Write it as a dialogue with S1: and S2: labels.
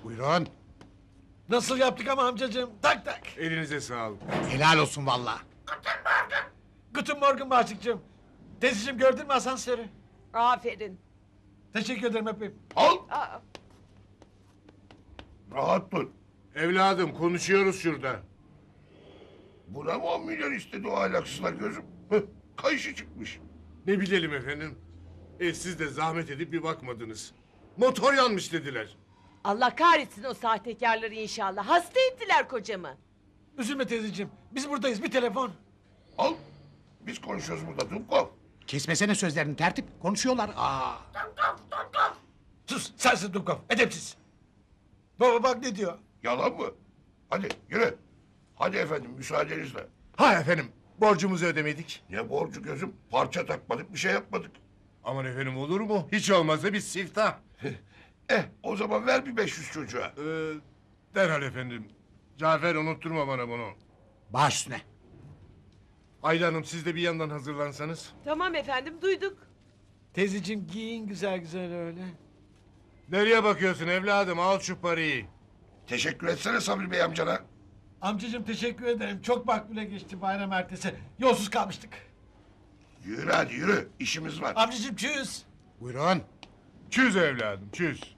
S1: Buyurun.
S2: Nasıl yaptık ama amcacığım? Tak tak.
S3: Elinize sağlık.
S1: Helal olsun valla.
S2: Guten Morgen Bahçık'cığım. Teyzeciğim gördün mü asansörü?
S4: Aferin.
S2: Teşekkür ederim öpeyim.
S5: Al.
S4: Aa,
S5: Rahat dur.
S3: Evladım konuşuyoruz şurada.
S5: Buna mı 10 milyon istedi o ahlaksızlar gözüm? Hıh, kayışı çıkmış.
S3: Ne bilelim efendim. Siz de zahmet edip bir bakmadınız. Motor yanmış dediler.
S4: Allah kahretsin o sahtekarları inşallah. Hasta ettiler kocamı.
S2: Üzülme teyzeciğim. Biz buradayız, bir telefon.
S5: Al. Biz konuşuyoruz burada Dumkov.
S1: Kesmesene sözlerini tertip. Konuşuyorlar.
S2: Sus, sensin Dumkov, edepsiz. Baba bak ne diyor.
S5: Yalan mı? Hadi yürü. Hadi efendim müsaadenizle.
S3: Ha efendim borcumuzu ödemedik.
S5: Ne borcu gözüm? Parça takmadık bir şey yapmadık.
S3: Aman efendim olur mu? Hiç olmazsa bir siftah.
S5: O zaman ver bir 500 çocuğa.
S3: Derhal efendim. Cafer unutturma bana bunu.
S1: Baş üstüne.
S3: Ayla Hanım siz de bir yandan hazırlansanız.
S4: Tamam efendim duyduk.
S2: Teyzeciğim giyin güzel güzel öyle.
S3: Nereye bakıyorsun evladım? Al şu parayı.
S5: Teşekkür etsene Sabri Bey amcana.
S2: Amcacığım teşekkür ederim. Çok makbule geçti bayram ertesi. Yolsuz kalmıştık.
S5: Yürü hadi yürü. İşimiz var.
S2: Amcacığım çüz.
S1: Buyurun.
S3: Çüz evladım çüz.